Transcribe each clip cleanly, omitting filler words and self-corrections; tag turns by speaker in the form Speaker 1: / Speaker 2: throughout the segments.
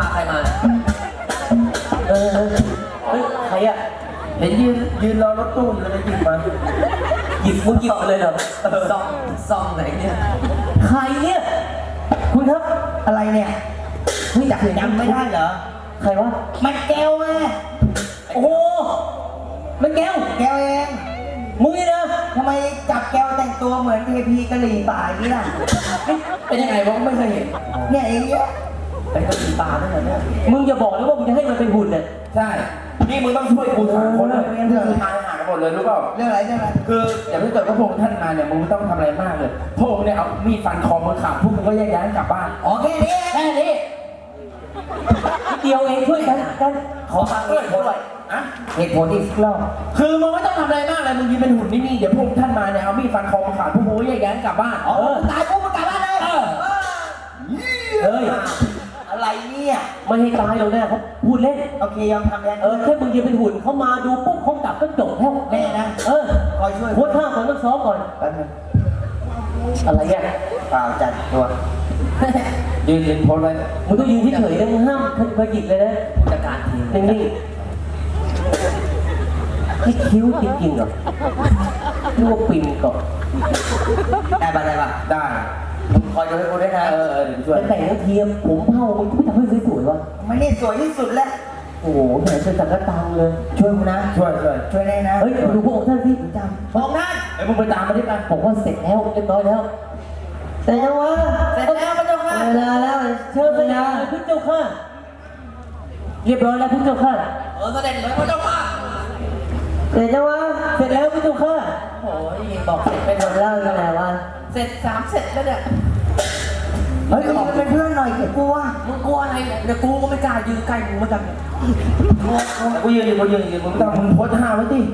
Speaker 1: ใครมา
Speaker 2: เฮ้ยใครอ่ะ
Speaker 3: เห็นยืนรอรถตู้อยู่เลยหยิบมา
Speaker 2: มึงหยิบมาเลยเหรอ
Speaker 1: ซองไหนเนี่ย
Speaker 2: ใครเนี่ยคุณครับ
Speaker 3: อะไรเนี่ยไม่จำไม่ได้เหรอ
Speaker 2: ใครวะ
Speaker 3: มันแก้วไง
Speaker 2: โอ้โหมันแก้ว
Speaker 3: เอง
Speaker 2: มึงนี่นะ
Speaker 3: ทำไมจับแก้วแต่งตัวเหมือนเทพีกะหรี่ป่าอย่างนี้ล่ะ
Speaker 1: เป็นยังไงวะไม่เคยเห็น
Speaker 3: เนี่ยเองเนี่ย
Speaker 1: เป็นกะหรี่ป่านั่นแหละเนี่ย
Speaker 2: มึงอย่าบอกนะว่ามึงจะให้มันเป็นหุ่นเนี่ย
Speaker 3: ใช่
Speaker 1: นี่มึงต้องช่วยกูสามคนเลย
Speaker 3: เรื่อง
Speaker 1: ทายหาหมดเลยรู้เปล่า
Speaker 3: เรื่องอะไร
Speaker 1: คืออย่างที่เกิดพระองค์ท่านมาเนี่ยมึงไม่ต้องทำอะไรมากเลยพระองค์เนี่ยเอามีดฟันคอมึงขาดพวกมึงก็แยกย้ายกลับบ้าน
Speaker 3: อ๋อแค่นี้
Speaker 2: เดียวเองช่วยกัน
Speaker 1: ขอฟังด้วย
Speaker 3: เหตุผลอีกรอบ
Speaker 1: คือมึงไม่ต้องทำอะไรมากเลยมึงยืนเป็นหุ่นนิ่งๆเดี๋ยวพระองค์ท่านมาเนี่ยเอามีดฟันคอมึงขาดพวกมึงก็แยกย้ายกลับบ้าน
Speaker 3: ตายปุ๊บมึงกลับบ้านเลย
Speaker 2: เฮ้ย
Speaker 3: อะไรเนี่ย
Speaker 2: ไม่ให้ตายหรอกนะเขาพูดเล่น
Speaker 3: โอเคยอมทำแล้ว
Speaker 2: แค่มึงยืนเป็นหุ่นเขามาดูปุ๊บเขากลับก็จบแล้ว
Speaker 3: แม่นะ
Speaker 2: คอยช่วยโค้ชท่าก่อนต้องซ้อมก่อนอะไรอ่ะ
Speaker 3: เปล่าจัดตัว
Speaker 1: ยืนโพสไว้
Speaker 2: มึงต้องยืนที่เฉยนะมึงห้ามเคยหยิบเลยนะ
Speaker 1: จัดการที
Speaker 2: นิ่งๆให้คิ้วจริงๆเหรอนึกว่าปิ่นก่อน
Speaker 3: ได้ป่ะ
Speaker 1: ได้
Speaker 3: คอยดูให้กูด้วยนะ
Speaker 1: เดี๋ยวช่วย
Speaker 2: แต่งเทียมผมเผามึงไม่ทำให้สวยๆวะ
Speaker 3: ไม่นี่สวยที่สุดแล้ว
Speaker 2: โอ้โหแหมเป็นสังกตังเลย
Speaker 3: ช่วยกูนะ
Speaker 1: ช่วย
Speaker 3: ได้นะ
Speaker 2: เฮ้ยดูพวกท่านพี่
Speaker 3: จำพวกท่าน
Speaker 1: มึงไปตามมาที่กัน
Speaker 2: บอกว่าเสร็จแล้วเรียบร้อยแล้ว
Speaker 3: เสร็จแล้ววะเสร็จแล้วพระเจ้าค่ะ
Speaker 2: เวลาแล้วเชิญพระเจ้าค่ะเรียบร้อยแล้วพระเจ้าค่ะ
Speaker 1: เสด็จเลยพระเจ้าค่ะ
Speaker 2: เสร็จแล้ววะเสร็จแล้วพระเจ้าค่ะ
Speaker 1: โอ้ยบอกเสร็จไปหมด
Speaker 2: เล่ายังไงวะ
Speaker 1: เสร็จ3เสร็จแล้วเนี่ย
Speaker 3: เฮ้ยบอกเป็นเพื่อนหน่อยเดี๋ยวกลัว
Speaker 1: มึงกลัวอะไรเดี๋ยวกูก็ไม่กล้ายืนใกล้มึงเหมือนกันกูยืนมึงต้องมึงโพสท่าไว้ดิ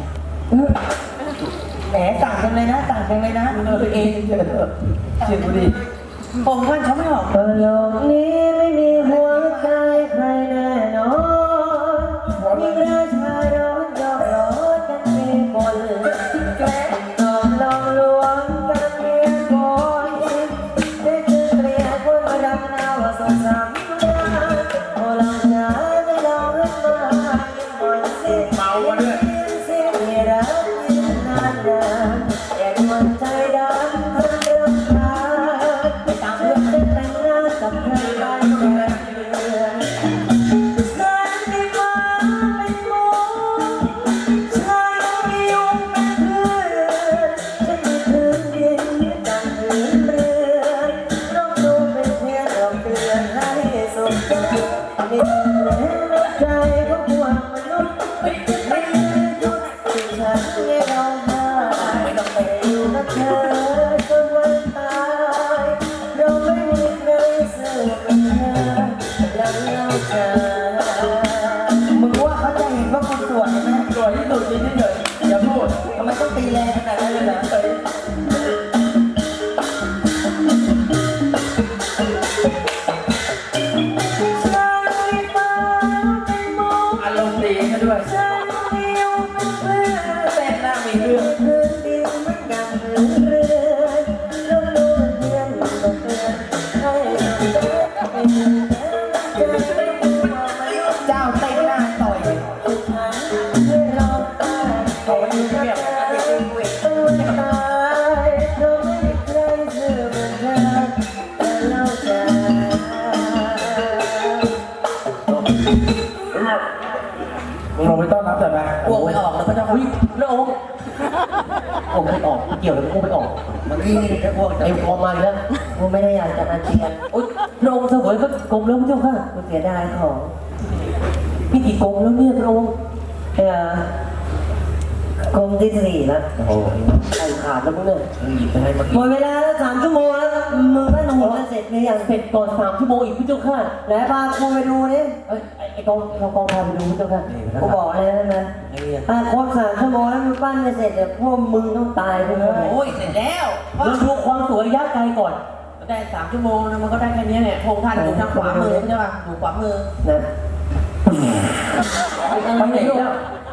Speaker 3: แหมต่างกันเลยนะ
Speaker 1: เองเชื่อกูดิ
Speaker 3: ผมท่านเขาไม่ออก
Speaker 2: โลกนี้ไม่มีหัวใจใครแน่นอนมีราชาร้อนยอมร้อนกันมีคนแกล้งตอมลองลวงกันเมียก่อนได้คือเกลียดคนมาดังนาวสงสารโอ้เราจะได้ลองรักมาหน่อยสิ
Speaker 1: เมามาด้วย
Speaker 2: สิมีรักยืนนานๆแต่มันใจดำทั้งเรื่องราวตามเรื่องแต่งงานกับใครได้แค่เดือนเกิดในฟ้าเป็นหมูชายมียุงเป็นเพื่อนฉันมีพื้นดินดังพื้นเรือนน้องดูเป็นเพียงดอกเดือนให้สมใจมีแรงใจของพวกมนุษย์ไม่ยุดที่ฉันให้เรามาไม่ต้องไปอยู่กับเธอจนวันตายเราไม่มีใครสู้กับเธอแล้วเราจะ
Speaker 3: มึงว่าเขาจะเห็นว่ากูสวยไหม
Speaker 1: สวยที่สุดจริงที่เลยอย่าพูด
Speaker 3: ทำไมต้องตีแรงขนาดนั้นเลยนะ
Speaker 1: อารมณ์ดีซะด้วยเต้นหน้ามีเรื่อง
Speaker 3: เจ้าเต้นหน้าต่อย
Speaker 1: เขาไม่รู้เรื่องมึงลงไปต้อนรับแต่มา
Speaker 2: อ้วกไม่ออกแล้วก็จะวิ่งแล้วองค์ไม่ออกเกี่ยวเลยอ้วกไม่ออก
Speaker 3: มันนี่จะอ้วก
Speaker 2: ไอ้พอมาแล้ว
Speaker 3: กูไม่ได้อยากจะอาเจียน
Speaker 2: โอ๊ยพระองค์เสวยก็กลมแล้วพระเจ้าค่ะ
Speaker 3: กูเสียดายของ
Speaker 2: พี่กี่กลมแล้วเนี่ยพระองค์
Speaker 3: กรมที่4แล้ว
Speaker 2: โอ้โหไอ้ขาดแล้วมึงเนี่ย
Speaker 1: หยิบไปให้
Speaker 3: หมดเวลาแล้ว3 ชั่วโมงแล้วมึงก็หนุ่มกันเสร็จหรือยัง
Speaker 2: เสร็จก่อน3 ชั่วโมงอีกพระเจ้าค่ะ
Speaker 3: แล้วพากูไปดูนี่
Speaker 2: ไอ้กองพาไปดูพระเจ้าค่ะ
Speaker 3: กูบอกเลยใช่ไหมครบ3 ชั่วโมงแล้วมึงปั้นไม่เสร็จเดี๋ยวพวกมึงต้องตายไปเลย
Speaker 1: โอ้ยเสร็จแล้ว
Speaker 2: เราดูความสวยระยะไกลก่อน
Speaker 1: ได้3 ชั่วโมงนะมันก็ได้แค่นี้เนี่ยพงท่านอยู่ทางขวามือใช่ป่ะอยู่ขวามือ
Speaker 2: นะไปไหนแล้ว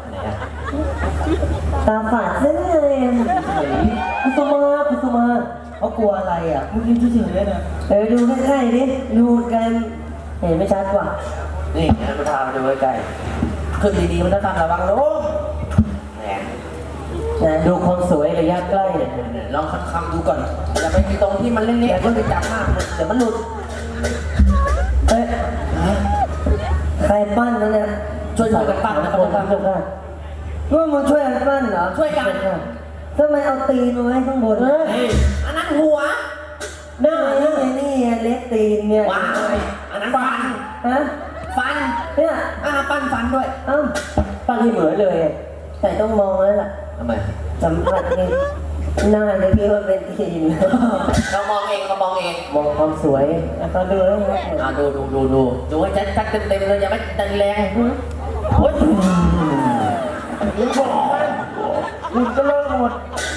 Speaker 3: ตาฝาดเส้นเลย
Speaker 2: กุสุมา
Speaker 3: เขากลัวอะไรอ่ะมึงยืนเฉยๆเลยนะดูใกล้ๆดิดูกันเห็นไม่ชัดว่ะ
Speaker 1: นี่มันพามาดูใกล้ๆขึ้นดีๆมันต้องทำระวังลูกแหม
Speaker 3: นะดูความสวยระยะใกล้เนี่ย
Speaker 1: ลองคำๆดูก่อนอย่าไปตรงที่มันเละๆอย่าไปจับมากเดี๋ยวมันหลุด
Speaker 3: เอ้ยใครปั้นนะเนี่ย
Speaker 1: ช่วยกันปั้นนะ
Speaker 3: คน
Speaker 1: ครั
Speaker 3: ทำ
Speaker 1: บ
Speaker 3: กันร่วมมือช่วยกันปั้นเหรอ
Speaker 1: ช่วยกัน
Speaker 3: ทำไมเอาตีนมาไว้ข้างบน
Speaker 1: อันนั้นหัว
Speaker 3: หน้านี่เล็กตีนเนี่ย
Speaker 1: ว้ายอันนั้นฟัน
Speaker 3: ฮะ
Speaker 1: ฟัน
Speaker 3: เนี่ย
Speaker 1: ปั้นฟันด้วย
Speaker 3: เอ้าปั้นให้เหมือนเลยแต่ต้องมองแล้วล่ะ
Speaker 1: ทำไม
Speaker 3: สัมผัสนี่หน้าเลยพี่ว่าเป็นตีน
Speaker 1: เรามองเองเรามองเอง
Speaker 3: มองความสวยแล้วก็ดูแล้วนะ
Speaker 1: ดูให้ชัดๆเต็มๆเลยอย่าไม่ดันแรงโอ๊ยมึงบอกมันมึงก็เลิกหมด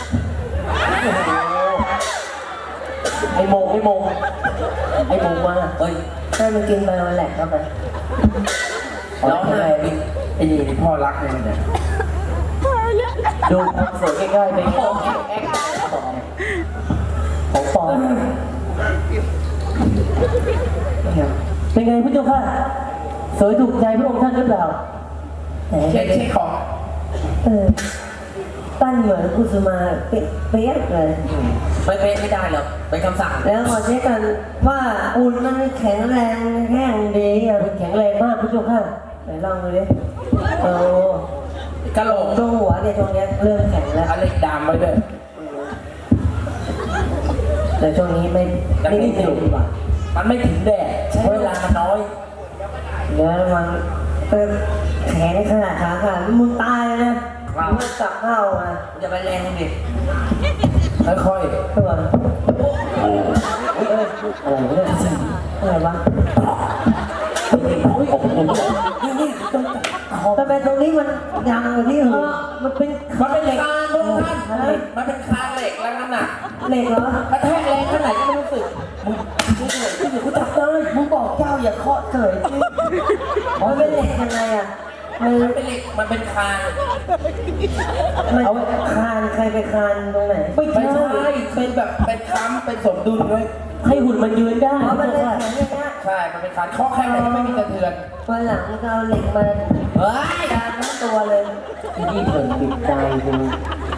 Speaker 1: ไอ้โมงมาเฮ้ย
Speaker 3: ถ้ามันกินไปมันแหลกเข้าไป
Speaker 1: ร้องไห้ไอ้นี่พ่อรักเลยเนี่ย
Speaker 3: ดูความสวยใกล้ๆไป
Speaker 1: โอ้แอ๊ก
Speaker 3: ของปลอมเป็นไงพุทธเจ้าค่ะสวยถูกใจพระองค์ท่านหรือเปล่า
Speaker 1: เช็คของ
Speaker 3: ปั้นเหมือนกุสุมาเป๊ะเลย
Speaker 1: ไม่ได้หรอกเป็นคำสั่ง
Speaker 3: แล้วขอเช็คกันว่าอุ่นมันแข็งแรงแห้งดีอ่ะแข็งแรงมากพุทธเจ้าค่ะไหนลองดูดิโอ้
Speaker 1: กะโหลก
Speaker 3: ช่วงหัวเนี่ยช่วงนี้เริ่มแข็งแล้ว
Speaker 1: อะไรดามไว้ด้วย
Speaker 3: แต่ช่วงนี้ไม่ได้ถึงว่ะ
Speaker 1: มันไม่ถึงแดดใช้เวลามันน้อย
Speaker 3: แล้วมันแข็งขนาดขาขาดมึงตายเลยนะมึงจับเข้ามา
Speaker 1: อย่าไปแรงดิค่อย
Speaker 3: ตัวอะไรวะทำไมตรงนี้มันยังอยู่ที่หูมันเป็น
Speaker 1: ๆมันเป็นเหล็กคานพวกท่านมันเป็นคานเหล็กแล้วน้ำหนัก
Speaker 3: เหล็กเหรอก
Speaker 1: ระแทกแรงแค่ไหนก็ไม่รู้สึกมึงกูจับเลยมึงบอกเจ้าอย่าเคาะเฉย
Speaker 3: มันเป็นเหล็กยังไงอ่ะมัน
Speaker 1: มันเป็นเหล็กมันเป็นคาน
Speaker 3: เอาคานใครไปคานตรงไหน
Speaker 1: ไม่ใช่เป็นแบบเป็นค้ำเป็นสมดุลเลย
Speaker 3: ให้หุ่นมันยืนได้เพราะมันเลยแข็งอย่างเงี้ย
Speaker 1: ใช่มันเป็นคานเคาะแค่ไหนก็ไม่มีกระเทือน
Speaker 3: วันหลังก็เอาเหล็กมา
Speaker 1: เฮ้ย
Speaker 3: ดามทั้งตัวเลยที่เถิดติดใจจริง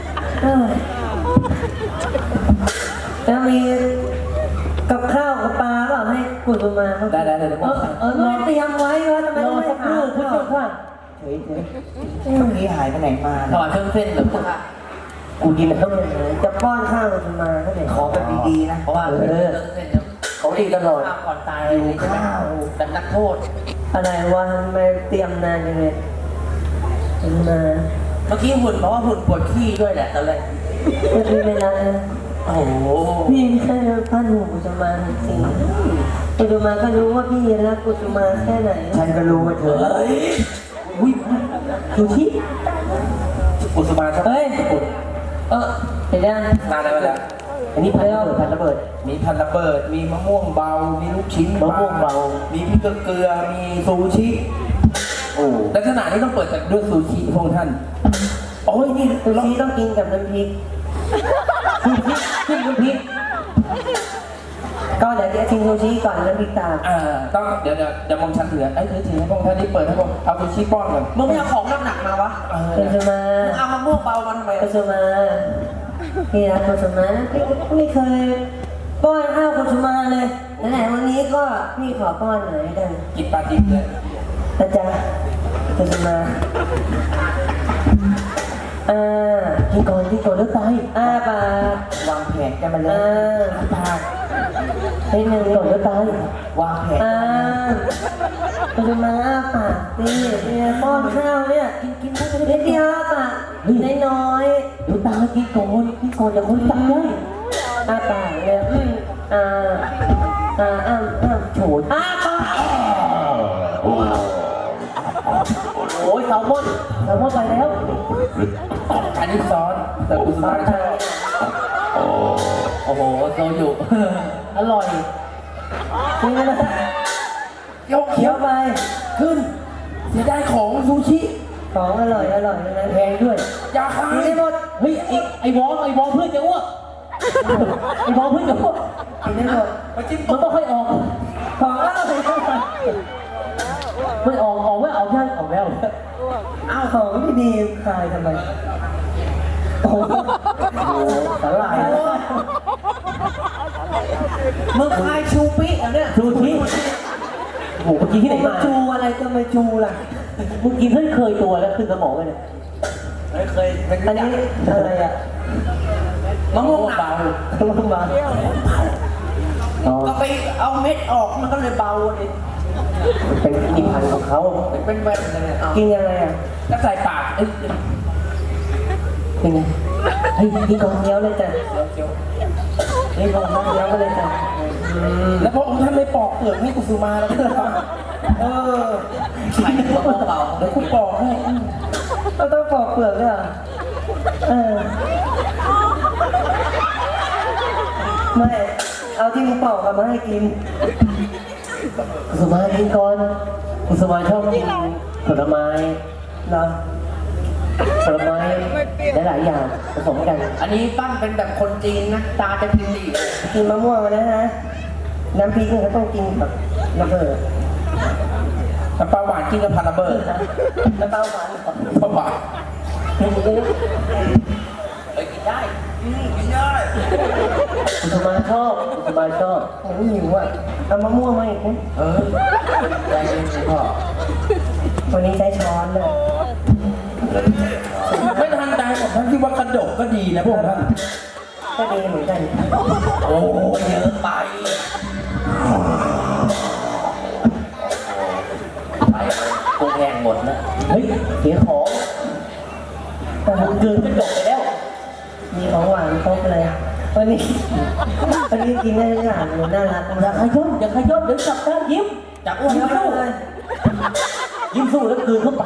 Speaker 3: แล้วมีกับข้าวกับปลาเปล่าให้กุศมาเขา
Speaker 1: ได้เดี๋ยวผมสั่ง
Speaker 3: ไม่เตรียมไว้วะทำไมต้องไปหาพุทธเจ้าเฉย
Speaker 2: เมื่อกี้หายไปไหนมา
Speaker 1: ถวายเครื่องเส้นหรือเปล่า
Speaker 3: กูกินต้องจะป้อนข้าวกุศมาเขาเนี่ย
Speaker 2: ขอแบบดีๆนะ
Speaker 1: เพราะว่าเครื่องเส้น
Speaker 3: เขาดีตลอด
Speaker 1: ก่อนตายข้าวแบบนักโทษ
Speaker 3: อะไรวะทำไมเตรียมนานยังไงกุศมา
Speaker 1: เมื่อกี้หุ่นบอกว่าหุ่นปวดขี้ด้วยแหละตอนแรก
Speaker 3: ไม่มีเวลา
Speaker 1: โอ้โห
Speaker 3: พี่แค่พันหูกุศมาจริงกุศมาก็รู้ว่าพี่รักกุศมาแค่ไหน
Speaker 2: ฉันก็รู้ว่าเธอ
Speaker 1: เฮ้ย
Speaker 3: อุ้ยดูที่
Speaker 1: กุศมาชอบ
Speaker 3: เฮ้ย เห็นยัง
Speaker 1: นานแล้ว
Speaker 3: อันนี้พันระเบิด
Speaker 1: มีพันระเบิด มีมะม่วงเบา มีลูกชิ้น
Speaker 3: มะม่วงเบา
Speaker 1: มีพริกเกลือ มีซูชิ
Speaker 3: โอ้
Speaker 1: ลักษณะนี้ต้องเปิดจากด้วยซูชิพวกท่าน โอ้ยนี่
Speaker 3: ซูชิต้องกินกับน้ำพริกซูชิขึ้นน้ำพริกก็เดี๋ยวชิมซูชิก่อนน้ำพริกตาม
Speaker 1: ต้องเดี๋ยวมองชันถือไอ้ถือให้พวกท่านนี่เปิดให้ผมเอาซูชิป้อนก่อนมึงไม่เอาของหนักๆมาวะ
Speaker 3: กุศมา
Speaker 1: เอามะม่วงเบามันทำไม
Speaker 3: กุศมาพี่รักกุศมาไม่เคยป้อนข้าวกุศมาเลยไหนๆวันนี้ก็พี่ขอป้อนหน่อยกัน
Speaker 1: กินปลาดิบเลย
Speaker 3: นะจ๊ะกุศมากินก่อนแล้วตายปาก
Speaker 2: วางแผนกันมาแล้
Speaker 3: อ่าว
Speaker 1: ปลา
Speaker 3: ให้หนึ่งก่อนแล้วตายว
Speaker 2: างแผน
Speaker 3: กุศมาปากเนี่ยป้อนข้าวเนี่ยกินได้เล็กเดียวปากน้อยๆดูตากินก่อนอย่าคนจับได้ปากเนี่ยโฉดปากโอ้ยแซลมอนไปแล้ว
Speaker 1: อันนี้ซอสแต่กุศมาใช่โอ้โหโซยุ
Speaker 3: อร่อยจริงนะ
Speaker 1: โยก
Speaker 3: เคี้
Speaker 1: เขี
Speaker 3: ย
Speaker 1: ยว ว
Speaker 3: ไป
Speaker 1: ขึ้นเสียดายของซูชิ
Speaker 3: ของอร่อยนะแพงด้วย
Speaker 1: อย่าขาย
Speaker 3: กินได้หมดเฮ้ยไอ้วองเพื่อนจะอ้วกไอ้วองเพื่อนจะอ้วกกินได้หมด
Speaker 1: มาจิ้ม
Speaker 3: มันต้องค่อยออกของอร่อยไม่ออกไม่ออกยังออกแล้ว
Speaker 2: อ้าวของที่ดีคายทำไมโอ้โหสลายมึงคายชูปิอ่ะเนี่ย
Speaker 3: ดูที่โอ้โหกินที่ไหน
Speaker 2: มา
Speaker 3: มา
Speaker 2: จูอะไรก็ไม่จูล่ะ
Speaker 3: มึงกินให้เคยตัวแล้วขึ้นสมองไปเนี่ย
Speaker 1: เคยเป็น
Speaker 2: อันนี้อะไรอ่ะ
Speaker 1: มะม่วงเบา
Speaker 2: มึงมา
Speaker 3: อ๋อ
Speaker 1: ก็ไปเอาเม็ดออกมันก็เลยเบาเลย
Speaker 3: เป็นอีกพันธุ์ของเขา
Speaker 1: เป็นแบบนั้นเลยเอา
Speaker 2: กินยังไงอ่ะ
Speaker 1: ก็ใส่ปากเอ้ย
Speaker 3: เป็นไงเฮ้ยกินก่อน
Speaker 2: เคี้ยวเลยจ้ะ
Speaker 1: เคี้ยว
Speaker 2: นี่ของน้ำเคี้ยวมาเลยจ้ะ
Speaker 1: แล้วพระองค์ท่านไม่ปอกเปลือกให้กุสุมาแล้วก็เออใส่มะม่วงเบาเดี๋ยวคุณปอกให้
Speaker 2: ก็ต้องปอกเปลือกด้วยเหรอไม่เอาที่มึงปอกมาให้กิน
Speaker 3: กุสุมากินก่อนกุสุมาชอบกินผลไม้
Speaker 2: เหรอ
Speaker 3: ผลไม้หลายๆอย่างผสมกัน
Speaker 1: อันนี้ปั้นเป็นแบบคนจีนนะตาจะพิมพ์ดี
Speaker 2: กินมะม่วงนะฮะน้ำพริกมันก็ต้องกินแบบระเบิด
Speaker 1: น้ำปลาหวานกินกับพาราเบิร์ด
Speaker 2: น้ำเปล่าหวานก่อน
Speaker 1: ปลาหวานเฮ้ยกินได้กินได้
Speaker 3: กุสุมาชอบกุสุมาชอบ
Speaker 2: โอ้ยหิวอ่ะเอามะม่วงมาอีกนะ
Speaker 1: เออใจเย็นสิพ่อ
Speaker 2: วันนี้ใช้ช้อนเลย
Speaker 1: ไม่ทันใจของท่านที่ว่ากระดกก็ดีนะพวกท่าน
Speaker 2: ก็ดีเหมือนกัน
Speaker 1: โอ้เยอะไปไปกูแห้งหมดแล้ว
Speaker 3: เฮ้ยเสียของมึงเกินกระจกไปแล้ว
Speaker 2: มีของหวานครบเลยวันนี้กินได้ทุกอย่างเลยน่ารัก
Speaker 3: อย่าขย้อนอย่าขย้อนเดี๋ยวจับได้ยิ้ม
Speaker 1: จับอ้วน
Speaker 3: ยิ้ม
Speaker 1: แล้ว
Speaker 3: สู้ยิ้มสู้แล้วกลืนเข้าไป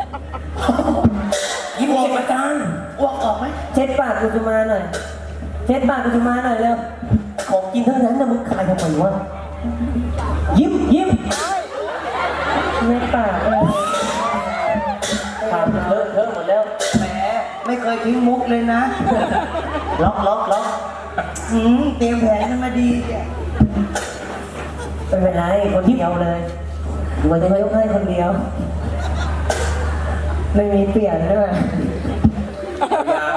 Speaker 1: ยิ้มเก็บอาการอ้วกออกไหม
Speaker 2: เช็ดปากกุจุมาหน่อยเช็ดปากกุจุมาหน่อยเร็ว
Speaker 3: ของกินทั้งนั้นนะมึงคายทำไมวะยิ้มยิ้ม
Speaker 2: เช็ดปากเลย
Speaker 3: ปากเลอะเทอะหมดแล้ว
Speaker 2: แหมไม่เคยทิ้งมุกเลยนะ
Speaker 3: ล็อก
Speaker 2: เตรียมแผนกันมาดีเนี่ยไม่เป็นไรคนเดียวเลย
Speaker 3: มันจะ
Speaker 2: จะ
Speaker 3: ไม่
Speaker 2: ยกให้คนเดียว ไม่มีเปลี่ยนด้วย
Speaker 1: ยาว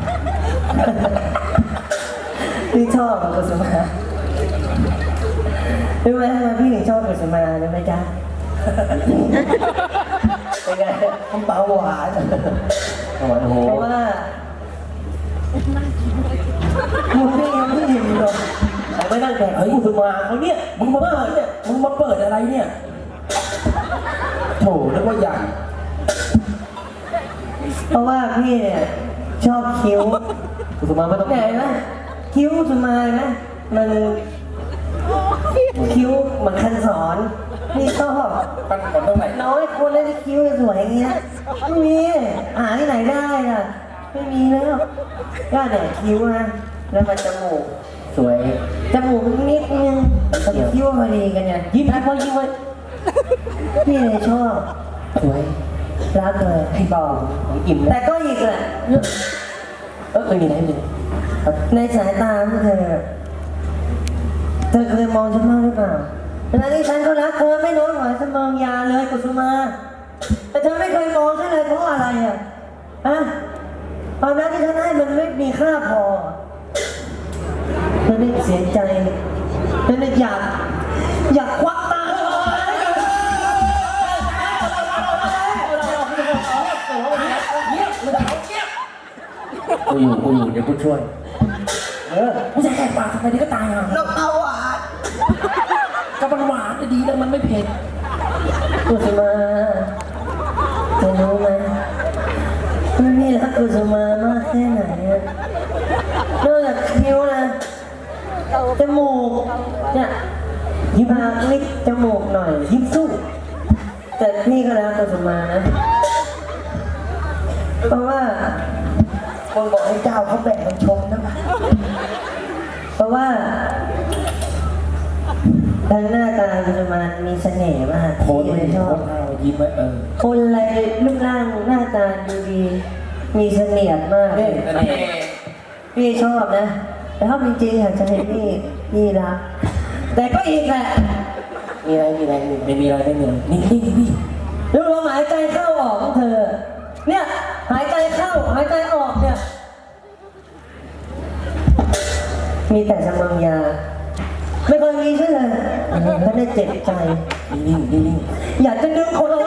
Speaker 2: พี่ชอบกุสุมารู้ไหมทำไมพี่ถึงชอบกุสุมารู้ไหมจ๊ะเป็นไงมันเบาหวาน
Speaker 3: โอ้โห
Speaker 2: เพราะว่ามึงนี่ยังไม่ยิ้มเลย
Speaker 3: เขาไม่นั่งแดกเฮ้ยกุสุมาเขาเนี่ย
Speaker 1: มึงมาเปิดเนี่ยมึงมาเปิดอะไรเนี่ยโถนึกว่าใหญ่
Speaker 2: เพราะว่าพี่เนี่ยชอบคิ้ว
Speaker 3: กุสุมาไม่ต้อง
Speaker 2: ไหนนะคิ้วกุสุมานะมันคิ้วเหมือนคันสอนพี่ชอบ
Speaker 1: ปั้นก่อนตรงไหน
Speaker 2: น้อยคนเลยที่คิ้วจะสวยอย่างเงี้ยไม่มีหาที่ไหนได้ล่ะไม่มีแล้วก็แต่คิ้วนะแล้วมันจมูก
Speaker 3: สวย
Speaker 2: จมูกนิดนึงกับคิ้วพอดีกันไง
Speaker 3: ยิ้มให้พ่อยิ้มไว้
Speaker 2: พี่เลยชอบ
Speaker 3: สวย
Speaker 2: รักเลย
Speaker 3: ให้เบาอิ่ม
Speaker 2: แต่
Speaker 3: นะ
Speaker 2: ก็อีกแหละ
Speaker 3: มีอะไรหนึ่ง
Speaker 2: ในสายตาของเธอเคยมองฉันบ้างหรือเปล่าเวลาที่ฉันก็รักเธอไม่น้อยกว่าฉันมองยาเลยกุสุมา แต่เธอไม่เคยมองฉันเลยเพราะอะไรอ่ะฮะความรักที่ฉันให้มันไม่มีค่าพอเธอได้เสียใจเธอได้อยากควักตาเธอออกมา
Speaker 3: กูอยู่เดี๋ยวกูช่วย
Speaker 1: กูจะแหกปากทำไมนี่ก็ตายห่า
Speaker 2: น้ำเต้าหวาน
Speaker 1: ก็มันหวานดีแล้วมันไม่เผ็ด
Speaker 2: กุสุมาเธอรู้ไหมพี่รักกุสุมามากแค่ไหนอะนอกจากคิ้วนะจมูกเนี่ยยิ้มปากลิกจมูกหน่อยยิ้มสู้ แต่พี่ก็รักกุสุมานะ เพราะว่าคนบอกให้เจ้าเขาแบ่งกันชมนะเพราะว่าทางหน้าตากุสุมามีเสน่ห์มาก
Speaker 1: โพส
Speaker 2: พี่เลยชอบ
Speaker 1: ยิ้มไว้
Speaker 2: คนอะไรรูปร่างหน้าตาดูดี มีเสน่ห์มาก พี่ชอบนะ แต่ถ้าจริงๆอยากจะให้พี่รัก แต่ก็อีกแหละ
Speaker 3: มมีอะไรไม่มีอะไรนิ่งพี่แล้วลมหายใจเข้าออกของเธอเนี่ยหายใจเข้าหายใจออกเนี่ยมีแต่สมังยาไม่เคยมีใช่เลยไม่ได้เจ็บใจนิ่งอยากจะดึงคนเอา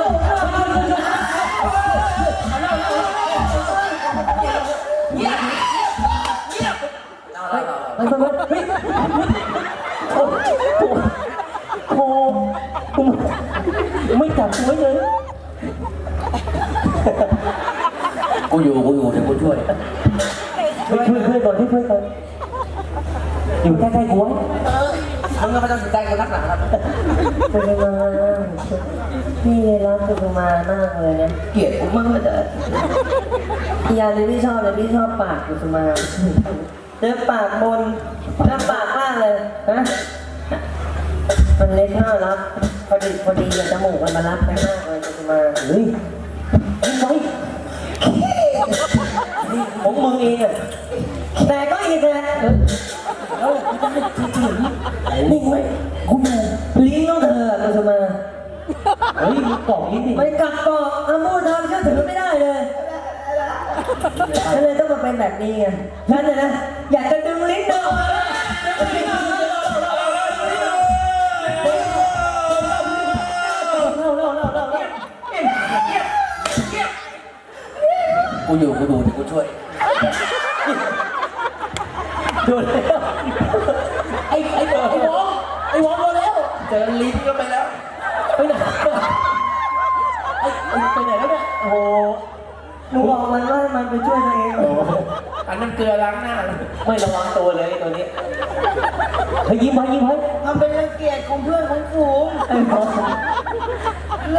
Speaker 3: ไม่จับกูไว้เลย
Speaker 1: กูอยู่เดี๋ยวกูช่วย
Speaker 3: ช่วยก่อนอยู่ใกล้ๆกูไว้
Speaker 1: มึงก็ไม่ต้องสนใจกูนักหนาครับ
Speaker 3: กุสุมาพี่รักกุสุมามากเลยนะ
Speaker 1: เกลียดกูมากเลย
Speaker 3: พี่ยาเลยพี่ชอบปากกุสุมาเนื้อปากบนเนื้อปากมากเลยนะมันเล็กน่ารักพอดีจมูกมันมารับไปมากเลยกุสุมาเฮ้ยไว้ของมึงเองอะแต่ก็อีกแหละแล้วนิ่งไว้กูอยู่ลิ้นต้องเธอกุสุมาเฮ้ยกล่องลิ้นดิไม่กัดกล่องอามูทำเชื่อถือไม่ได้เลยฉันเลยต้องมาเป็นแบบนี้ไงฉันเนี่ยนะอยากจะดึงลิ้นเธอออกมา
Speaker 1: กูอยู่เดี๋ยวกูช่วย
Speaker 3: ดูแล้วไอ้วองดูแล้ว
Speaker 1: เจอลิ้นก็ไปแล้ว
Speaker 3: ไปไหนไปไหนแล้วเนี่ยโอ้โหหนูบอกมันว่ามันไปช่วยตัวเอง
Speaker 1: อันนั้นเกลือล้างหน้า
Speaker 3: ไม่ระวังตัวเลยตัวนี้เฮ้ยยิ้มไว้
Speaker 1: ทำเป็นรังเกียจของเพื่อนของฝูง
Speaker 3: ไอ้บอส
Speaker 1: เล่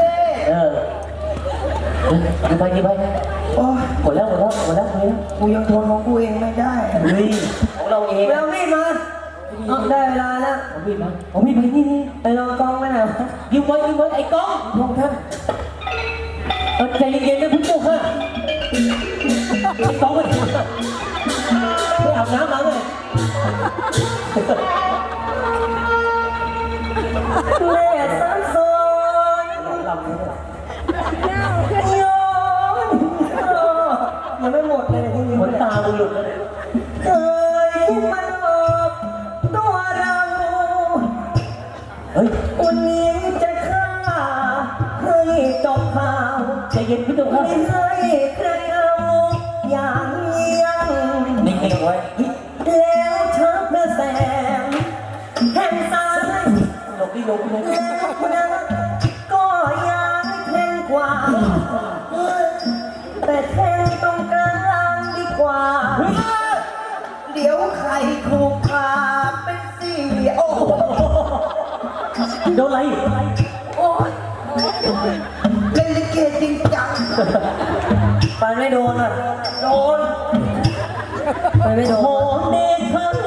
Speaker 3: ยิ้มไป
Speaker 1: โอ้ย
Speaker 3: หมดแล้ว
Speaker 1: กูยังทนของกูเองไม่ได้
Speaker 3: เฮ้ยของเราเองเรามีดมาได้เวลาแล้วเอามีดไปนี่ไปลองกล้องไว้หน่อยยิ้มไว้ไอ้กล้องลองท่านใจเย็นๆนะพี่ปุ๊กค่ะไอ้กล้องไปอาบน้ำมาเลยแม่สันสนยังไม่หมดเลยที่นี่ขนตามึงหลุดเลยเคยคิดมันออกตัวเราเฮ้ยวันนี้จะฆ่าให้จบข่าวใจเย็นพี่ตุ๊กครับไม่ให้ใครเอาอย่างเยี่ยงนิ่งๆไว้แล้วชักกระแสแห่งสายลงแล้วนะก็ยังแทงกว่าแต่แทงตรงกลางดีกว่า
Speaker 1: เดี๋ยวใครถูกขาเป็นสี่โอ้โห
Speaker 3: โดนอะไร
Speaker 1: โอ้ยเล่นลิเกจริงจัง
Speaker 3: ไปไม่โดนอ่ะ
Speaker 1: โดน
Speaker 3: ไปไม่โดนโหเด็ก